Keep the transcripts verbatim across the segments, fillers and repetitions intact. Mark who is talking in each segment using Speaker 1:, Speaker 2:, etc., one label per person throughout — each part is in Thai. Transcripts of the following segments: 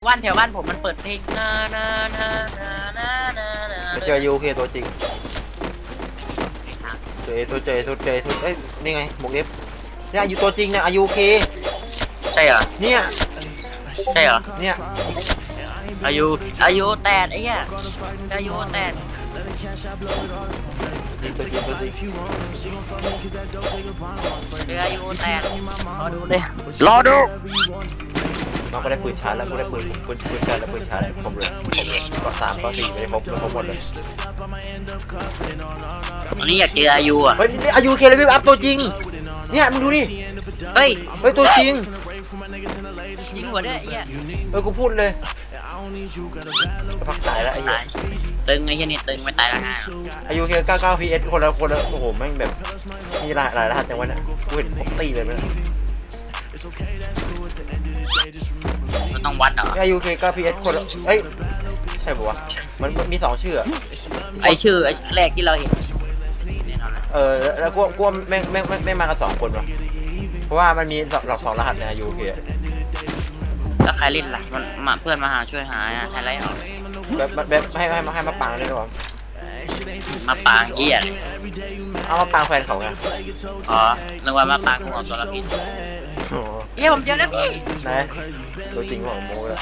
Speaker 1: บ้านแถวบ้านผมมันเปิดเพลงนานานานานานานา
Speaker 2: เจอยูเคตัวจริงเจอตัวเจอตัวเจอตัวเอ้ยนี่ไงหมวกเอฟเนี่ยอายุตัวจริงเนี่ยอายุเค
Speaker 1: ใช่เหรอ
Speaker 2: เนี่ย
Speaker 1: ใช่เหรอ
Speaker 2: เนี่ย
Speaker 1: อายุอายุแตดไอ้เหี้ยอายุแตด
Speaker 2: ตัวจริงตัวจริง
Speaker 1: เรืออายุแตดรอดูเลยรอดู
Speaker 2: น้องก็ได้ปืนชาร์จแล้วกูได้ปืนปืนปืนชาร์จแล้วปืนชาร์จผมเลยก็สามก็สี่ไปครบไปครบหมดเลย
Speaker 1: วันนี้อยากเจออายุอ่ะ
Speaker 2: เฮ้ยนี่อายุเคเลยพี่อัพตัวจริงเนี่ยมึงดูดิ
Speaker 1: เฮ้ย
Speaker 2: เฮ้ยตัวจริง
Speaker 1: ยิงหัวด้วยไอ้เหี้ย
Speaker 2: เออกูพูดเลยจะพักสายแล้วไอ้เหี้ย
Speaker 1: ตายตึงไอ้เหี้ยนี่ตึงไม่ตายแล้วไง
Speaker 2: อายุเคเก้าเก้าพีเอสคนละคนละโอ้โหแม่งแบบมีหลายหลายรหัสจังวะเนี่ยกูเห็นผมตีเลยมั้ย
Speaker 1: มันต้องวัดเหรอ
Speaker 2: อายุเคเก้าพีเอสคนละเอ้ยใช่ปะวะมันมีสองชื่อ
Speaker 1: ไอชื่อไอแรกที่เราเห็นแน่นอนเลย
Speaker 2: เออแล้วกูกูแม่งแม่งแม่งมากันสองคนวะเพราะว่ามันมีหลอกสองรหัสในอายุเค
Speaker 1: แล้วใครเล่นล่ะมันมาเพื่อนมาหาช่วยหาไฮไลท์ออก
Speaker 2: แบบแบบให้ให้ให้มาปังเลยดีกว่า
Speaker 1: มาปางเหี้ยเลย
Speaker 2: เอามาปังแฟนเขาไง
Speaker 1: อ๋อนึกว่ามาปางของตัวละพิษ
Speaker 2: โอ้
Speaker 1: เฮ้ยผมเจอแล้วพี่
Speaker 2: ไหนตัวจริงของโมเลย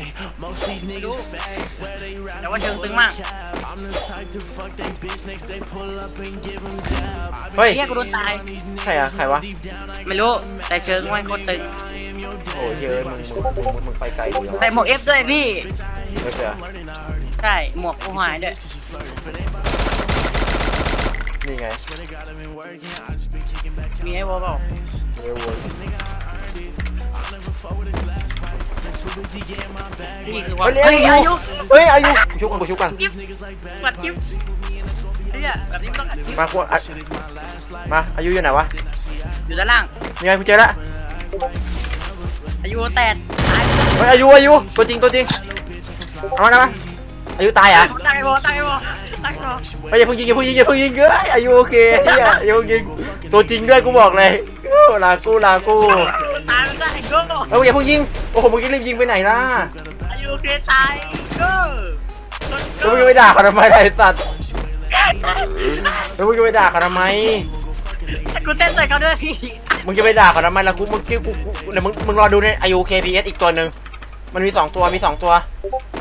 Speaker 1: แต่ว่าเชิงตึงมาก
Speaker 2: เฮ้ย
Speaker 1: เฮียกูโดนตาย
Speaker 2: ใครอะใครวะ
Speaker 1: ไม่รู้แต่เชิงมันโคตรตึง
Speaker 2: โอ้ยเยอะมึงมึงมึงมึงไปไกลดี
Speaker 1: ใส่หมวกเอฟด้วยพี่
Speaker 2: ไม่เจอ
Speaker 1: ใช่หมวกกูหายด้วย
Speaker 2: นี่ไง
Speaker 1: มีไอ้วอลเปล่า
Speaker 2: เวลวน
Speaker 1: นี่คือว่า
Speaker 2: เฮ้ย
Speaker 1: เฮ้ย
Speaker 2: อา
Speaker 1: อา
Speaker 2: ยุ
Speaker 1: ยุ
Speaker 2: เฮ้ยอายุชุบกันกูชุบกัน
Speaker 1: กิ๊บปัดกิ๊บเฮียแบบนี้ต้องอัดกิ๊บ
Speaker 2: มากูอ่ะมาอายุอยู่ไหนวะ
Speaker 1: อยู่ด้านล่าง
Speaker 2: นี่ไงกูเจอละ
Speaker 1: อายุแตกตาย
Speaker 2: เฮ้ยอายุอายุตัวจริงตัวจริงเอามานะมาอายุตายอ่ะ
Speaker 1: ตายไปบอตายไปบอตายไปบอ
Speaker 2: เฮ้ยอย่าเพิ่งยิงอย่าเพิ่งยิงอย่าเพิ่งยิงเฮ้ยอายุโอเคเฮียอายุยิงตัวจริงด้วยกูบอกเลยลากูลากู
Speaker 1: ตายมันได้ก็
Speaker 2: เฮ้ยอย่าเพิ่งยิงโอ้โหมึงรีบยิงไปไหนล่ะ
Speaker 1: อายุเคตายก็
Speaker 2: แล้วมึงจะไปด่าเขาทำไมไอ้สัตว์แล้วมึงจะไปด่าเขาทำไม
Speaker 1: กูเต้นใส่เขาด้วยพี่
Speaker 2: มึงจะไปด่าเขาทำไมล่ะกูมึงคิดกูกูเดี๋ยวมึงมึงรอดูในอายุ เค พี เอส อีกตัวหนึ่งมันมีสองตัวมีสองตัว